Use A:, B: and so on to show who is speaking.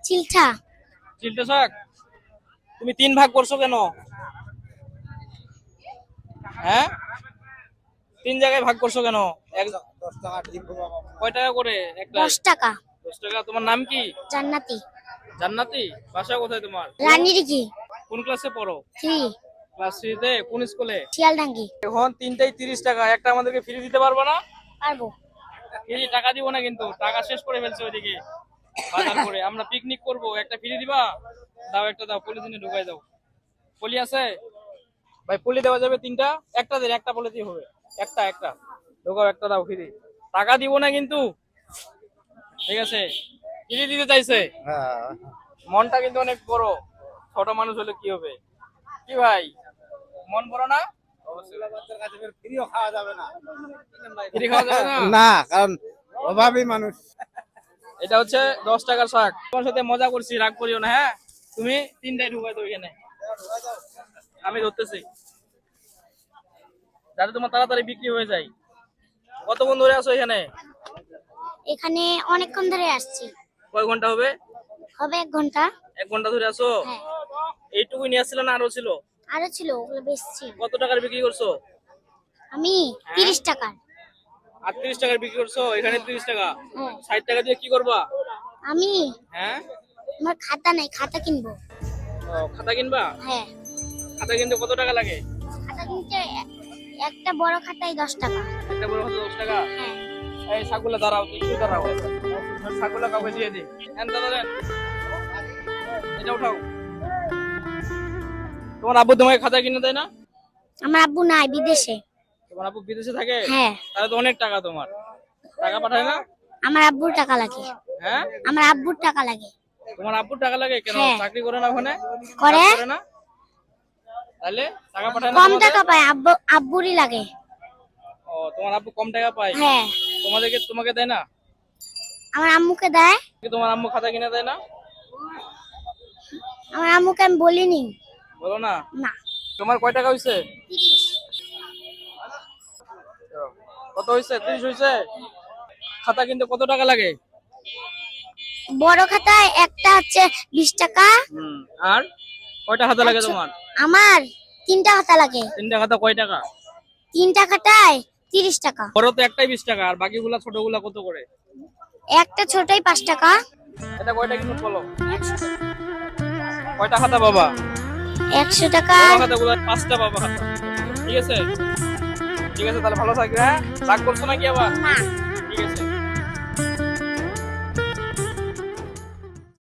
A: চিলঠা।
B: চিলটে শাক। তুমি 3 ভাগ করছো কেন? হ্যাঁ, 3 জায়গায় ভাগ করছো কেন? 10 টাকা দিব বাবা। কয় টাকা করে একটা?
A: 10 টাকা।
B: 10 টাকা। তোমার নাম কি?
A: জান্নাতি।
B: জান্নাতি। বাসা কোথায় তোমার?
A: রানীর কি?
B: কোন ক্লাসে পড়ো?
A: 3।
B: ক্লাস 3 তে। কোন স্কুলে?
A: শিয়ালডাঙ্গি।
B: এখন 3টাই 30 টাকা, একটা আমাদেরকে ফ্রি দিতে পারবে না?
A: পারবো।
B: ফ্রি টাকা দিব না কিন্তু, টাকা শেষ করে ফেলছে ওইদিকে বাজার করে। আমরা পিকনিক করব, একটা ফ্রি দিবা? দাও, একটা দাও, পলিথিনে ঢুকাই দাও। পলি আছে ভাই? পলি দেওয়া যাবে 3টা? একটা দিন, একটা পলিথিন হবে। একটা একটা ঢুকাও, একটা দাও ফ্রি। টাকা দিব না কিন্তু, ঠিক আছে? ফ্রি দিতে চাইছে। মনটা কিন্তু অনেক বড়। ছোট মানুষ হলে কি হবে? কি ভাই, মন বড় না? ফ্রি খাওয়া যাবে না।
C: না, কারণ অভাবী মানুষ।
B: এটা হচ্ছে 10 টাকার শাক। তোমার সাথে মজা করছি, রাগ করিও না। হ্যাঁ, তুমি 3টাই ঢুকাই দাও এখানে, আমি ধরতেছি, যাতে তোমার তাড়াতাড়ি বিক্রি হয়ে যায়। কতক্ষণ ধরে আছো এখানে?
A: এখানে অনেকক্ষণ ধরে আসছি।
B: কয় ঘন্টা হবে?
A: হবে 1 ঘন্টা।
B: 1 ঘন্টা ধরে আছো?
A: হ্যাঁ।
B: এইটুকুই নিয়ে আসছিল না আরো ছিল?
A: আরো ছিল, ওগুলো বেচছি।
B: কত টাকার বিক্রি করছো?
A: আমি 30 টাকা।
B: 38 টাকার বিক্রি করছো? এখানে 30 টাকা।
A: হ্যাঁ।
B: 60 টাকা দিয়ে কি করবা?
A: আমি
B: হ্যাঁ,
A: আমার খাতা নাই, খাতা কিনবো।
B: ও, খাতা কিনবা?
A: হ্যাঁ।
B: খাতা কিনতে কত টাকা লাগে?
A: খাতা কিনতে একটা বড় খাতায় 10 টাকা।
B: একটা বড় হতো 10 টাকা।
A: হ্যাঁ।
B: এই শাকগুলো দাঁড়াও, একটু দাঁড়াও, শাকগুলো কাউকে দিয়ে দিই। দাদা দেন, এটা উঠাও। তোমার আব্বু তোমাকে খাতা কিনে দেয় না?
A: আমার আব্বু নাই, বিদেশে।
B: তোমার আব্বু বিদেশে থাকে?
A: হ্যাঁ।
B: তাহলে তো অনেক টাকা তোমার। টাকা পাঠায় না?
A: আমার আব্বুর টাকা লাগে।
B: হ্যাঁ,
A: আমার আব্বুর টাকা লাগে।
B: তোমার আব্বুর টাকা লাগে কেন?
A: হ্যাঁ।
B: চাকরি করে না ওখানে?
A: করে।
B: কাজ করে না? তাহলে টাকা পাঠায় না
A: কম
B: তোমাদের?
A: টাকা পায়, আব্বুরই লাগে।
B: ও, তোমার আব্বু কম টাকা পায়?
A: হ্যাঁ।
B: তোমাকে দেয় না?
A: আমার আম্মুকে দেয়।
B: তোমার আম্মু খাতা কিনে দেয় না?
A: আমার আম্মুকে আমি বলিনি।
B: বলো না?
A: না।
B: তোমার কয় টাকা হইছে? কত হইছে? 30 হইছে। খাতা কিনতে কত টাকা লাগে?
A: বড় খাতায় একটা হচ্ছে 20 টাকা।
B: আর কয়টা খাতা লাগে তোমার?
A: আমার 3টা খাতা লাগে।
B: 3টা খাতা কয় টাকা?
A: 3টা খাতায় 30 টাকা।
B: বড় তো একটাই 20 টাকা, আর বাকিগুলা ছোটগুলা কত করে?
A: একটা ছোটই 5 টাকা।
B: এটা কয়টা কিনুন বলো? কয়টা খাতা বাবা?
A: 100 টাকা।
B: বড় খাতাগুলো 5টা বাবা খাতা। ঠিক আছে, ঠিক আছে, তাহলে ভালো থাকবে। হ্যাঁ, রাগ করছো নাকি আবার?
A: না।